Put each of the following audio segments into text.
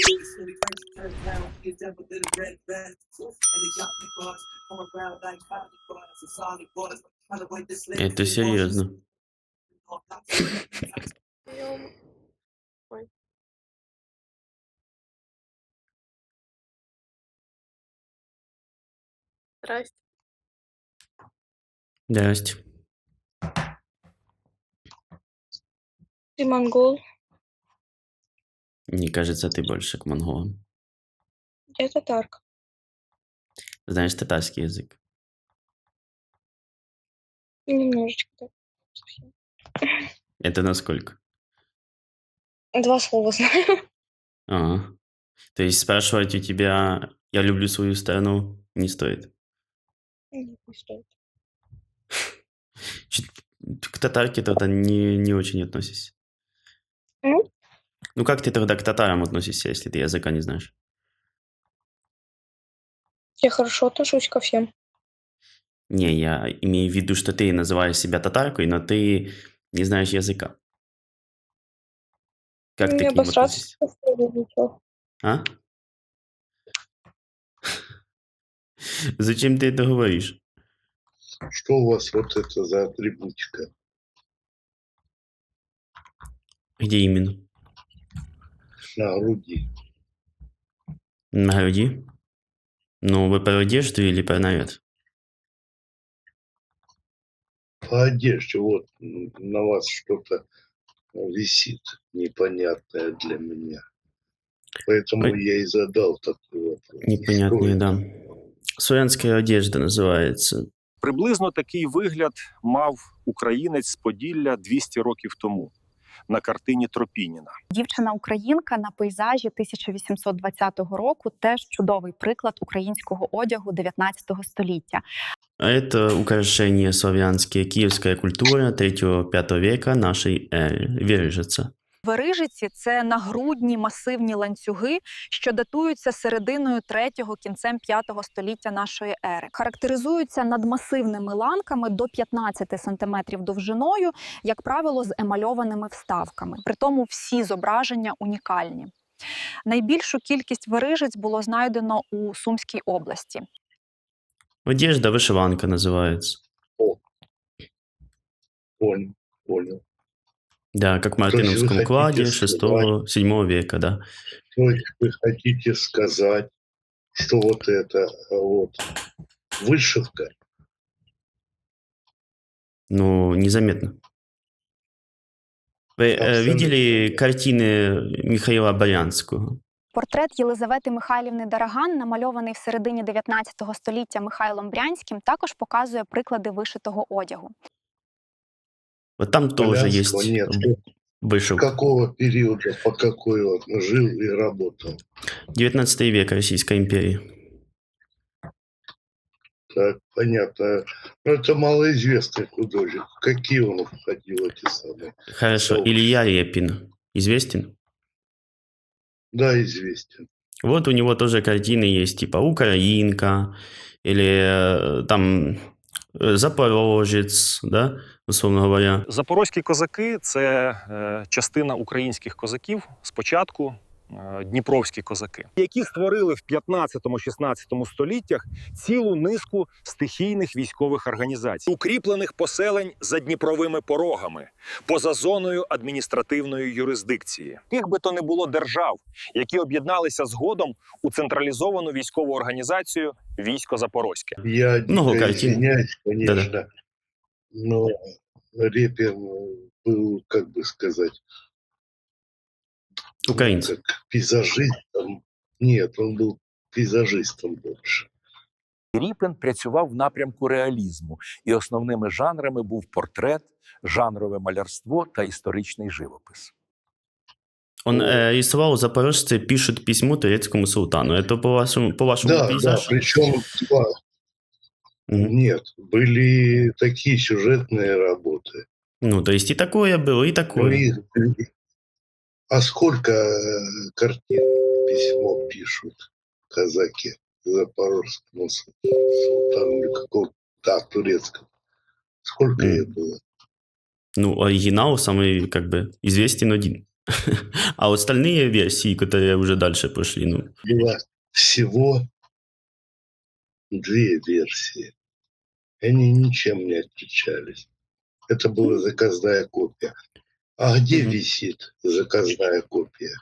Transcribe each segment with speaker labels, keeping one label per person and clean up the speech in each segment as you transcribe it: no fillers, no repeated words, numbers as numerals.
Speaker 1: Это серьезно.
Speaker 2: Ой. Здрасте.
Speaker 1: Здрасте.
Speaker 2: Ты монгол?
Speaker 1: Мне кажется, ты больше к монголам.
Speaker 2: Я татарка.
Speaker 1: Знаешь татарский язык?
Speaker 2: Немножечко так. Совсем.
Speaker 1: Это насколько?
Speaker 2: 2 слова знаю.
Speaker 1: Ага. То есть спрашивать у тебя «я люблю свою страну» не стоит?
Speaker 2: Нет, не стоит.
Speaker 1: Чё к татарке тогда не очень относишься.
Speaker 2: Ну,
Speaker 1: Ну как ты тогда к татарам относишься, если ты языка не знаешь?
Speaker 2: я хорошо отношусь ко всем.
Speaker 1: Не, я имею в виду, что ты называешь себя татаркой, но ты не знаешь языка. Как ты
Speaker 2: Не
Speaker 1: к ним
Speaker 2: обосраться
Speaker 1: относишься?
Speaker 2: ничего.
Speaker 1: А? Зачем ты это говоришь?
Speaker 3: Что у вас вот это за атрибутика?
Speaker 1: Где именно?
Speaker 3: На груди.
Speaker 1: На груди? Ну, вы про одежду или про наряд?
Speaker 3: По одежде вот на вас что-то висит непонятное для меня. Поэтому
Speaker 1: Ой,
Speaker 3: я и задал такой вопрос. Что
Speaker 1: непонятные,
Speaker 3: это?
Speaker 1: да. Славянская одежда называется.
Speaker 4: Приблизно такий вигляд мав українець з Поділля 200 років тому на картині Тропініна.
Speaker 5: Дівчина-українка на пейзажі 1820 року – теж чудовий приклад українського одягу 19 століття.
Speaker 1: А это украшения славянские, киевская культура 3-5 века нашей эры. Вирижица.
Speaker 5: Верижиці – це нагрудні масивні ланцюги, що датуються серединою 3-го, кінцем 5-го століття нашої ери. Характеризуються надмасивними ланками до 15 см довжиною, як правило, з емальованими вставками. Притому всі зображення унікальні. Найбільшу кількість верижиць було знайдено у Сумській області.
Speaker 1: Одежда вышиванка называется.
Speaker 3: Понял.
Speaker 1: Да, как в
Speaker 3: То есть вы
Speaker 1: Мартыновском
Speaker 3: хотите
Speaker 1: кладе
Speaker 3: сказать,
Speaker 1: 6-7 века, да.
Speaker 3: то есть вы хотите сказать, что вот это вот вышивка?
Speaker 1: Ну, незаметно. Вы видели
Speaker 3: Абсолютно.
Speaker 1: картины Михаила Болянского?
Speaker 5: Портрет Єлизавети Михайлівни Дараган, намальований в середині 19 століття Михайлом Брянським, також показує приклади вишитого одягу.
Speaker 1: Вот там тоже
Speaker 3: Полянского
Speaker 1: есть
Speaker 3: нет. С
Speaker 1: вышивка.
Speaker 3: какого периода, по какой он жил и работал?
Speaker 1: 19 век Российской империи.
Speaker 3: Так, понятно. Но это малоизвестный художник. Какие он входил, эти самые?
Speaker 1: Хорошо.
Speaker 3: сообщества?
Speaker 1: Илья Репин. Известен?
Speaker 3: Да, известен.
Speaker 1: Вот у него тоже картины есть, типа «Украинка» или там «Запорожец», да, условно говоря.
Speaker 4: Запорозькі козаки – це частина українських козаків спочатку, дніпровські козаки, які створили в 15-16 століттях цілу низку стихійних військових організацій, укріплених поселень за Дніпровими порогами, поза зоною адміністративної юрисдикції. Яких би то не було держав, які об'єдналися згодом у централізовану військову організацію «Військо Запорозьке».
Speaker 3: Я
Speaker 1: Много
Speaker 3: дико
Speaker 1: картин.
Speaker 3: извиняюсь, конечно,
Speaker 1: Да-да.
Speaker 3: но Репин был, как бы сказать,
Speaker 1: Украинцы.
Speaker 3: как пейзажистом. Нет, он был пейзажистом больше.
Speaker 6: Ріпін працював в напрямку реалізму, і основними жанрами був портрет, жанрове малярство та історичний живопис.
Speaker 1: Он рисовал «Запорожцы пишут письмо турецкому султану». Это по-вашему
Speaker 3: Да,
Speaker 1: пейзаж?
Speaker 3: причем два.
Speaker 1: Мгм.
Speaker 3: Нет, были такие сюжетные работы.
Speaker 1: Ну, то есть и такое было, и
Speaker 3: Ну,
Speaker 1: такое.
Speaker 3: а сколько картин письмо пишут казаки запорожскому султану или какому-то, да, турецкому? Сколько их было?
Speaker 1: Ну, оригинал самый, как бы, известен один. А остальные версии, которые уже дальше пошли, ну,
Speaker 3: Было всего 2 версии. Они ничем не отличались. Это была заказная копия. А где
Speaker 1: Мгм.
Speaker 3: висит заказная копия?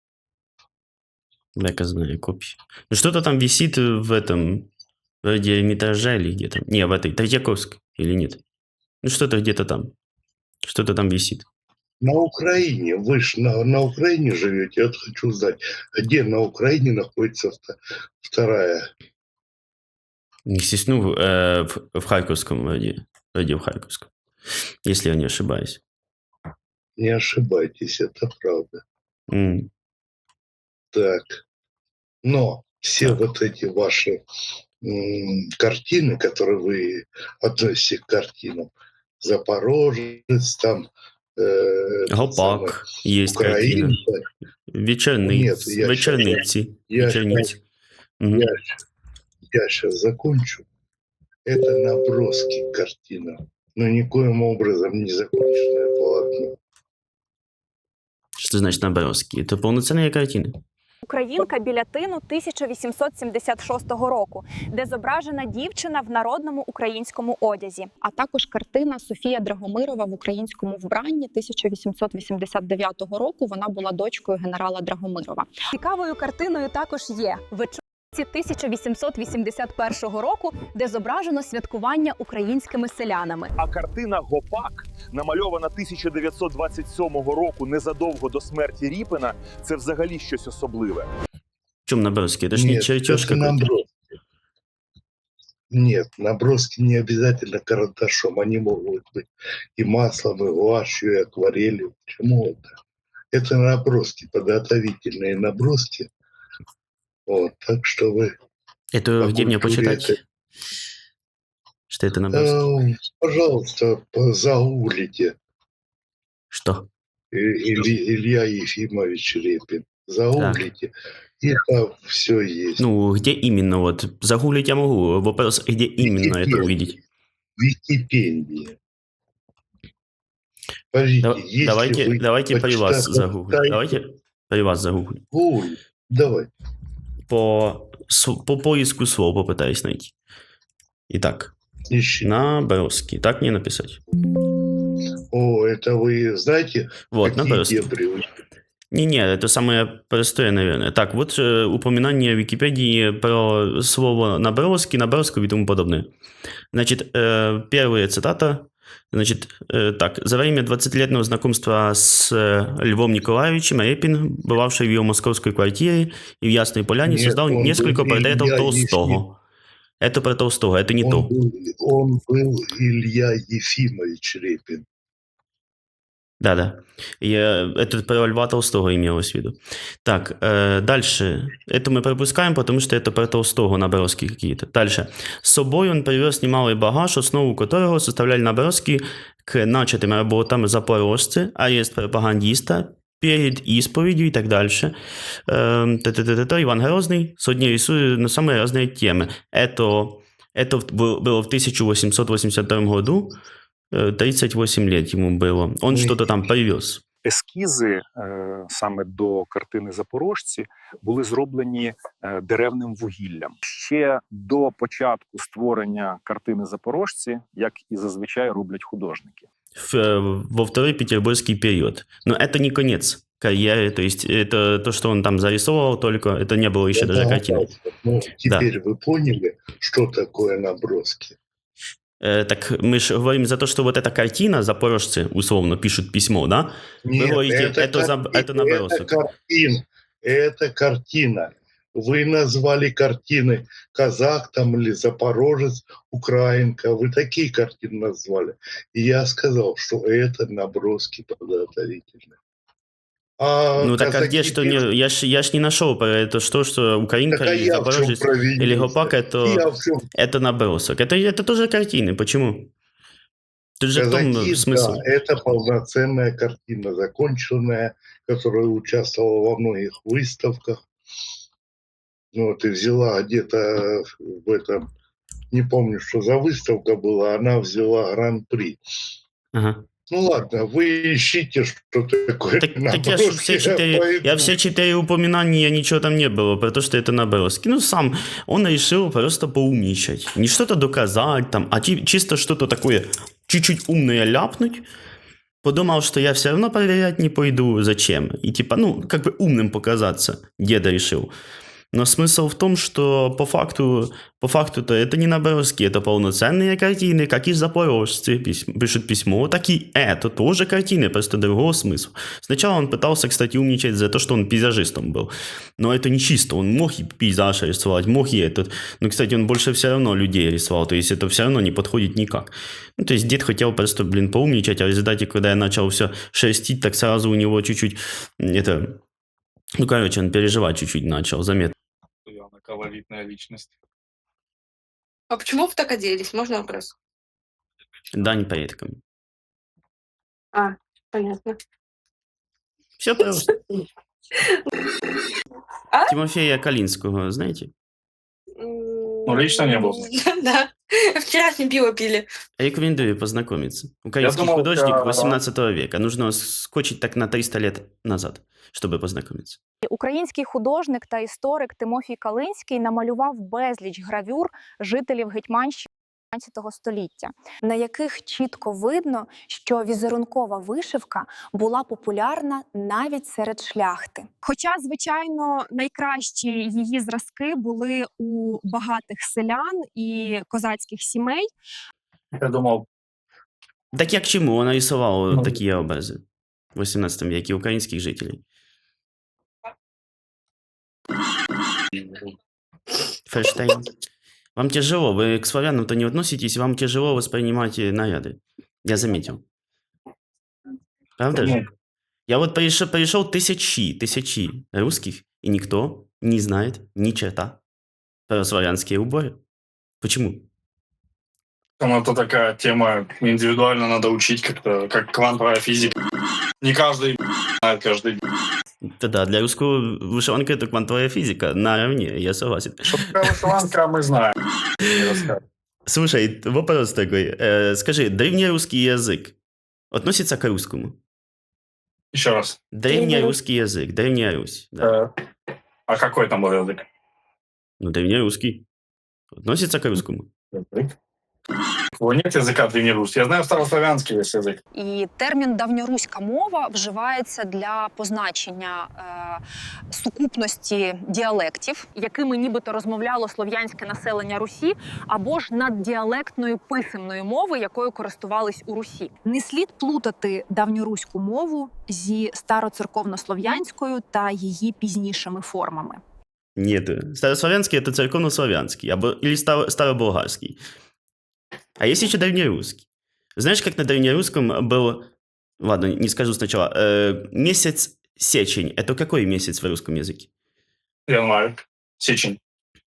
Speaker 1: заказная копия. Ну, что-то там висит в этом, вроде Эрмитажа или где-то. Не, в этой, Третьяковской или нет? Ну, что-то где-то там. Что-то там висит.
Speaker 3: На Украине. Вы же на Украине живете. Я вот хочу знать, где на Украине находится вторая?
Speaker 1: Естественно, в Харьковском вроде. Вроде в Харьковском. Если я не ошибаюсь.
Speaker 3: Не ошибайтесь, это правда.
Speaker 1: М,
Speaker 3: Так. Но все
Speaker 1: Так.
Speaker 3: вот эти ваши картины, которые вы относите к картинам, Запорожец, там,
Speaker 1: Гопак есть картина.
Speaker 3: Украинка. Нет, я
Speaker 1: Вечерниці.
Speaker 3: я
Speaker 1: Вечерниці. Мгм.
Speaker 3: я сейчас закончу. Это наброски картина, но никоим образом не законченное полотно.
Speaker 1: Що значить наброски? Це повноцінні картини.
Speaker 5: Українка Білятину 1876 року, де зображена дівчина в народному українському одязі, а також картина Софія Драгомирова в українському вбранні 1889 року. Вона була дочкою генерала Драгомирова. Цікавою картиною також є вечорниці 1881 року, де зображено святкування українськими селянами.
Speaker 4: А картина «Гопак», намальована 1927 року, незадовго до смерті Ріпина, це взагалі щось особливе.
Speaker 1: В чому наброски? Це ж не
Speaker 3: Нет,
Speaker 1: чертеж
Speaker 3: это
Speaker 1: какой-то.
Speaker 3: наброски. Нет, наброски не обязательно карандашом. Они могут быть и маслом, и гуашью, и акварелью. Почему это? Это наброски, подготовительные наброски. Вот, так что вы
Speaker 1: Это
Speaker 3: по
Speaker 1: где мне
Speaker 3: культуре
Speaker 1: почитать? Что это наброски?
Speaker 3: пожалуйста, загуглите.
Speaker 1: Что?
Speaker 3: Илья Ефимович Репин. Загуглите, и там все есть.
Speaker 1: Ну, где именно? Вот загуглить я могу. Вопрос, где именно это увидеть?
Speaker 3: Википедия. Подождите, если вы
Speaker 1: Давайте при вас загуглю.
Speaker 3: почитаете-
Speaker 1: Давайте при вас загуглю.
Speaker 3: Ой, давай.
Speaker 1: По поиску слов попытаюсь найти. Итак,
Speaker 3: Ищи.
Speaker 1: наброски. Так мне написать?
Speaker 3: О, это вы знаете,
Speaker 1: Вот,
Speaker 3: какие
Speaker 1: наброски.
Speaker 3: дебри вы-
Speaker 1: Не, это самое простое, наверное. Так, вот упоминание в Википедии про слово наброски, наброску и тому подобное. Значит, первая цитата. Значит, так. За время 20-летнего знакомства с Львом Николаевичем Репин, бывавший в его московской квартире и в Ясной Поляне,
Speaker 3: Нет,
Speaker 1: создал
Speaker 3: он
Speaker 1: несколько
Speaker 3: был
Speaker 1: портретов
Speaker 3: Илья
Speaker 1: Толстого. Это про Толстого, это не то.
Speaker 3: Он был Илья Ефимович Репин.
Speaker 1: Да. Это про Льва Толстого имелось в виду. Так, дальше. Это мы пропускаем, потому что это про Толстого наброски какие-то. Дальше. С собой он привез немалый багаж, основу которого составляли наброски к начатым работам запорожцы, арест пропагандиста, перед исповедью и так дальше. Иван Грозный сотни рисует на самые разные темы. Это было в 1882 году. 38 лет ему было. Он что-то там привез.
Speaker 4: Ескізи саме до картини «Запорожці» були зроблені деревним вугіллям. Ще до початку створення картини «Запорожці», як і зазвичай роблять художники.
Speaker 1: Во второй петербургский период. Но это не конец карьеры, то есть это то, что он там зарисовывал только, это не было еще даже картины.
Speaker 3: Ну, теперь вы поняли, что такое наброски?
Speaker 1: Так мы же говорим за то, что вот эта картина, запорожцы условно пишут письмо, да?
Speaker 3: Нет,
Speaker 1: Вы говорите, это набросок.
Speaker 3: Это картина. Вы назвали картины казак там или запорожец, украинка. Вы такие картины назвали. И я сказал, что это наброски подготовительные.
Speaker 1: Ну так а где что не... Я ж не нашел про это, что украинка или запорожец или гопак, это набросок. Это тоже картины. Почему? Тут же
Speaker 3: казаки,
Speaker 1: в том смысл.
Speaker 3: Да, это полноценная картина, законченная, которая участвовала во многих выставках. Ну, вот и взяла где-то в этом, не помню, что за выставка была, она взяла гран-при.
Speaker 1: Ага.
Speaker 3: Ну ладно, вы ищите, что такое
Speaker 1: Так я ж все
Speaker 3: наброски.
Speaker 1: я все 4 упоминания, ничего там не было, про то, что это наброски. Ну, сам он решил просто поумничать. Не что-то доказать там, а чисто что-то такое чуть-чуть умное ляпнуть. Подумал, что я все равно проверять не пойду, зачем. И типа, ну, как бы умным показаться, деда решил. Но смысл в том, что по факту-то это не наброски, это полноценные картины, как и запорожцы пишут письмо, так и это тоже картины, просто другого смысла. Сначала он пытался, кстати, умничать за то, что он пейзажистом был. Но это не чисто, он мог и пейзаж рисовать, мог и этот. Но, кстати, он больше все равно людей рисовал, то есть это все равно не подходит никак. Ну, то есть дед хотел просто, поумничать, а в результате, когда я начал все шерстить, так сразу у него чуть-чуть это... Ну, короче, он переживать чуть-чуть начал, заметно.
Speaker 7: Она колоритная личность.
Speaker 8: А почему вы так оделись? Можно вопрос?
Speaker 1: Дань предкам.
Speaker 8: А, понятно.
Speaker 1: Все просто.
Speaker 8: А?
Speaker 1: Тимофея Калинского, знаете?
Speaker 7: Ну, лично не был.
Speaker 8: Да. Вчера с ним пиво пили.
Speaker 1: Рекомендую познакомиться. Украинский
Speaker 7: думал,
Speaker 1: художник
Speaker 7: это-
Speaker 1: 18 века. Нужно скочить так на 300 лет назад, чтобы познакомиться.
Speaker 5: Український художник та історик Тимофій Калинський намалював безліч гравюр жителів Гетьманщини 19 століття, на яких чітко видно, що візерункова вишивка була популярна навіть серед шляхти. Хоча, звичайно, найкращі її зразки були у багатих селян і козацьких сімей.
Speaker 7: Я думал,
Speaker 1: Так я к чему? Он нарисовал
Speaker 7: Ну.
Speaker 1: такие образы в 18 веке украинских жителей. Ферштейн. Вам тяжело, вы к славянам-то не относитесь, вам тяжело воспринимать наряды. Я заметил. Правда
Speaker 7: ну,
Speaker 1: же? Я вот пришел тысячи русских, и никто не знает ни черта про славянские уборы. Почему?
Speaker 7: там это такая тема, индивидуально надо учить как-то, как квантовая физика. Не каждый знает каждый.
Speaker 1: Да, для русского вышиванка — это квантовая физика наравне, я согласен.
Speaker 7: Что такое вышиванка, мы знаем. Не расскажем.
Speaker 1: Слушай, вопрос такой. Скажи, древнерусский язык относится к русскому?
Speaker 7: Еще раз.
Speaker 1: Древнерусский язык, Древняя Русь. Да.
Speaker 7: А какой там был язык?
Speaker 1: Ну, древнерусский. Относится к русскому.
Speaker 7: Язык? Его нет языка древнерусский. Я знаю старославянский есть язык.
Speaker 5: І термін «давньоруська мова» вживається для позначення сукупності діалектів, якими нібито розмовляло слов'янське населення Русі, або ж наддіалектної писемної мови, якою користувались у Русі. Не слід плутати давньоруську мову зі староцерковнослов'янською та її пізнішими формами.
Speaker 1: Нет, старославянский — это церковнославянский или староболгарский. А есть еще древнерусский. Знаешь, как на древнерусском был... Ладно, не скажу сначала. Месяц сечень. Это какой месяц в русском языке?
Speaker 7: Январь. Сечень.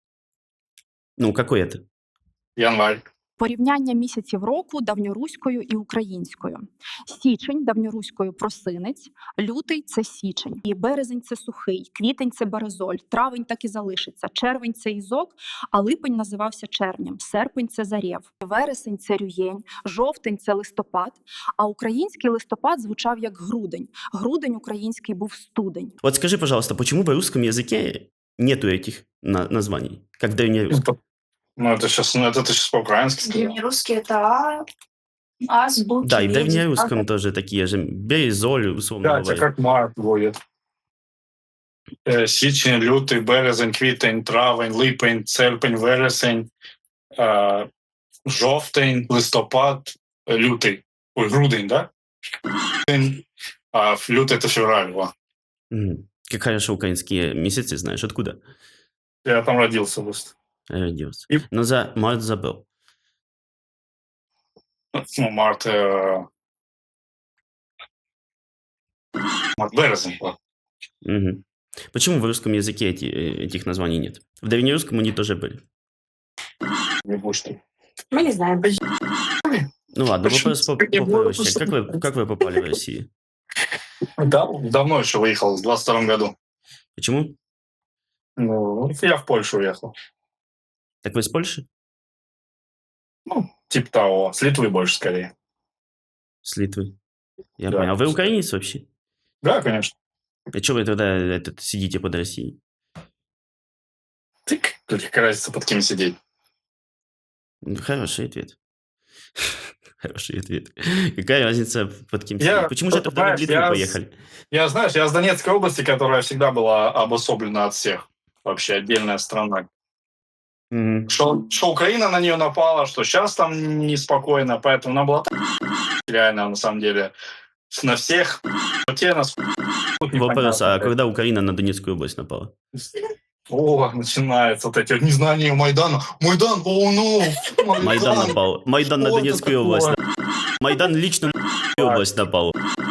Speaker 1: Ну, какой это?
Speaker 7: Январь.
Speaker 5: Порівняння місяців року давньоруською і українською. Січень давньоруською просинець, лютий – це січень, і березень – це сухий, квітень – це березоль, травень так і залишиться, червень – це ізок, а липень називався червнем, серпень – це зарєв, вересень – це рюєнь, жовтень – це листопад, а український листопад звучав як грудень. Грудень український був студень.
Speaker 1: Вот скажи, пожалуйста, почему в русском языке нету этих названий, как в древнерусском?
Speaker 7: Ну, это ты сейчас по-украински сказал.
Speaker 8: Древнерусский это азбуки.
Speaker 1: Да, и в древнерусском тоже такие же. Березоль, условно
Speaker 7: Да, это
Speaker 1: говоря.
Speaker 7: как март будет. Січень, лютий, березень, квітень, травень, липень, серпень, вересень, жовтень, листопад, лютий. Ой, грудень, да? А лютый это февраль. Во.
Speaker 1: Мгм. Как хорошо украинские месяцы знаешь. Откуда
Speaker 7: Я там родился просто.
Speaker 1: родился?
Speaker 7: И-
Speaker 1: Но за март забыл.
Speaker 7: Ну, март, березень. Во.
Speaker 1: Мгм. Почему в русском языке этих названий нет? В древнерусском они тоже были.
Speaker 7: Не будешь ты.
Speaker 8: Мы не знаем.
Speaker 1: Ну ладно,
Speaker 7: Почему
Speaker 1: вопрос
Speaker 7: не было
Speaker 1: попроще. Как вы попали в Россию?
Speaker 7: Да, давно еще выехал, в 22 году.
Speaker 1: Почему?
Speaker 7: Ну, я в Польшу уехал.
Speaker 1: Так вы из Польши?
Speaker 7: Ну, типа того, с Литвы больше скорее.
Speaker 1: С Литвы. Я
Speaker 7: Да.
Speaker 1: понял. А вы украинец вообще?
Speaker 7: Да, конечно.
Speaker 1: А что вы тогда сидите под Россией?
Speaker 7: Ты какая разница, под кем сидеть?
Speaker 1: Хороший ответ. Хороший ответ. Какая разница, под кем сидеть? Почему же тогда вы в
Speaker 7: знаешь,
Speaker 1: Литву поехали?
Speaker 7: я с Донецкой области, которая всегда была обособлена от всех. Вообще отдельная страна.
Speaker 1: Мгм.
Speaker 7: Что Украина на нее напала, что сейчас там неспокойно, поэтому она была реально, на самом деле, на всех. Те нас
Speaker 1: Вопрос, а когда Украина на Донецкую область напала?
Speaker 7: О, начинается вот эти вот незнания Майдана. Майдан, о, ну!
Speaker 1: Майдан напал. Майдан на
Speaker 7: Что это
Speaker 1: Донецкую область.
Speaker 7: такое?
Speaker 1: Майдан лично на Донецкую область напал.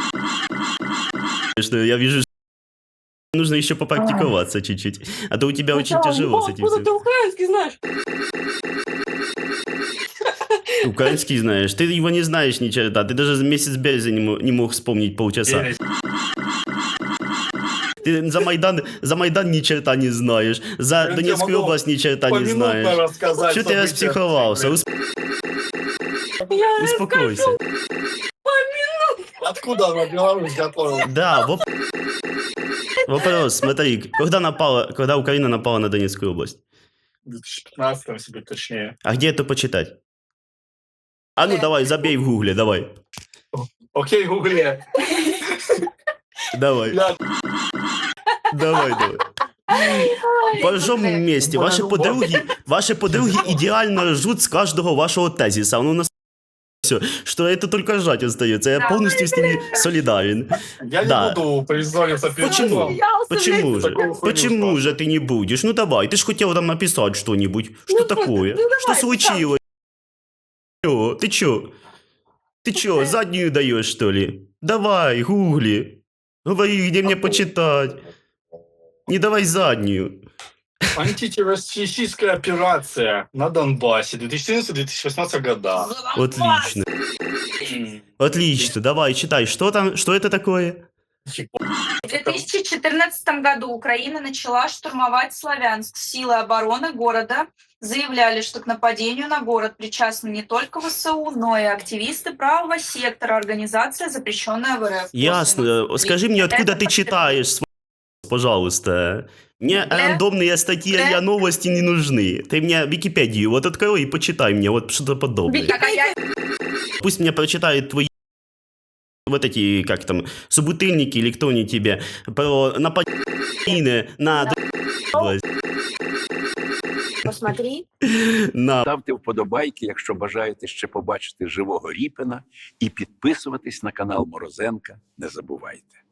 Speaker 1: Что я вижу, что нужно еще попрактиковаться чуть-чуть. А то у тебя очень тяжело с этим всем.
Speaker 8: Ты украинский знаешь.
Speaker 1: Украинский знаешь. Ты его не знаешь ни черта. Ты даже месяц березня не мог вспомнить полчаса.
Speaker 7: Верить.
Speaker 1: Ты за Майдан ни черта не знаешь. За
Speaker 7: Я
Speaker 1: Донецкую
Speaker 7: могу
Speaker 1: область ни черта не
Speaker 7: Поминутно
Speaker 1: знаешь.
Speaker 7: рассказать
Speaker 1: Что ты
Speaker 7: события.
Speaker 1: распсиховался?
Speaker 8: Я
Speaker 1: Успокойся.
Speaker 7: Откуда она Беларусь готовила?
Speaker 1: Да, вопрос, смотри, когда Украина напала на Донецкую область?
Speaker 7: В 2015, если быть точнее.
Speaker 1: А где это почитать? А ну давай, забей в гугле, давай.
Speaker 7: Окей, гугле.
Speaker 1: Давай,
Speaker 7: Я
Speaker 1: давай. Пожжем вместе. Ваши подруги идеально ржут с каждого вашего тезиса. Ну, у нас все, что это только ржать остается. Я полностью с ними солидарен.
Speaker 7: не
Speaker 1: Да.
Speaker 7: буду призориться перед
Speaker 1: Почему?
Speaker 7: судом.
Speaker 1: Почему же?
Speaker 7: Такую хуйню
Speaker 1: Почему же ты не будешь? Ну давай, ты ж хотел там написать что-нибудь. Что такое? Что случилось? Ты чё? Ты чё, заднюю даешь, что ли? Давай, гугли. Говори, где мне почитать. Не давай заднюю.
Speaker 7: Антитеррористическая операция на Донбассе 2014-2018 года.
Speaker 1: Отлично. Отлично, давай, читай. Что там, что это такое?
Speaker 9: В 2014 году Украина начала штурмовать Славянск. Силы обороны города заявляли, что к нападению на город причастны не только ВСУ, но и активисты правого сектора, организация, запрещенная в РФ.
Speaker 1: Ясно. Скажи мне, откуда ты читаешь, пожалуйста. Мне рандомные статьи и новости не нужны. Ты мне Википедию вот открой и почитай мне вот что-то подобное. Пусть мне прочитают твои вот эти, как там, собутыльники или кто-нибудь тебе про нападение на область.
Speaker 8: Посмотри.
Speaker 1: На
Speaker 6: Ставте вподобайки, якщо бажаєте ще побачити живого Ріпіна, і підписуватись на канал Морозенка не забувайте.